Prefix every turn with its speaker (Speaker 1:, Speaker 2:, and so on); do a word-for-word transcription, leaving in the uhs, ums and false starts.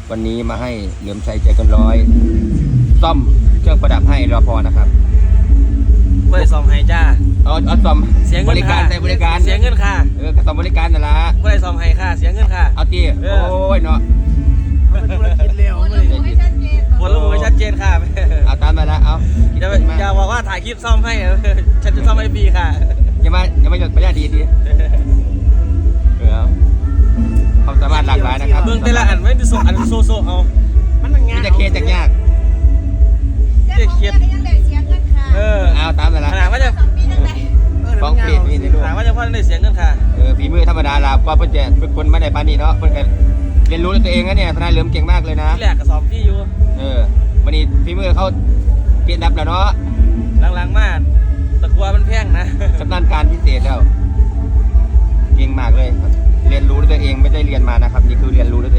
Speaker 1: วันนี้มาให้เหลือมชัยใจเกันร้อยซ่อมเครื่องประดับให้รอพอนะครับ
Speaker 2: ไม่ได้ซ่อมให้จ้า
Speaker 1: เอาเอาซ่อม
Speaker 2: เสียเงิน
Speaker 1: บริการใส่บริการ
Speaker 2: เสียเงินค่ะ
Speaker 1: เออซ่อมบริการนั่นละ
Speaker 2: ไม่ได้ซ่อมให้ค่ะเสียเงินค่ะ
Speaker 1: เอาตีโอ้ยเนาะ
Speaker 3: มันธุรกิจเร็วเลย
Speaker 2: บนระบุไว้ชัดเจนค่ะ
Speaker 1: เอาตามมาแล้วเอา
Speaker 2: อย่าอย่าบอกว่าถ่ายคลิปซ่อมให้ฉันจะซ่อมให้ฟรีค่ะ
Speaker 1: อย่ามาอย่ามาหยดประหยัดดีดีเออความสามารถหลากหลายนะครับ
Speaker 2: เมืองแต่ละอันไม่ได้ส่งอันโซโซเอา
Speaker 3: มันงาน
Speaker 1: จะเคสจากยาก
Speaker 2: จะเคสเออ
Speaker 1: เอาตามมาแล้ว
Speaker 2: ขนาดว่าจะ
Speaker 1: ฟ้องเพจมีในรูป
Speaker 2: ขนาดว่าจะพ่อได้เสียเงินค่ะ
Speaker 1: เออฝีมือธรรมดาลาก็เป็นเป็นคนไม่ได้ปานีเนาะเพื่อนกันเรียนรู้ด้วยตัวเองนะเนี่ยทนายเหลิมเก่งมากเลยนะ
Speaker 2: ที่แรกกับซ้อมพี่อยู่
Speaker 1: เออวันนี้ฝีมือเขาเกียรติดับแล้วเนาะ
Speaker 2: หลังๆมากตะกัวมันแพงนะ
Speaker 1: ชำนาญการพิเศษแล้วเก่งมากเลยเรียนรู้ด้วยตัวเองไม่ได้เรียนมานะครับนี่คือเรียนรู้ด้วย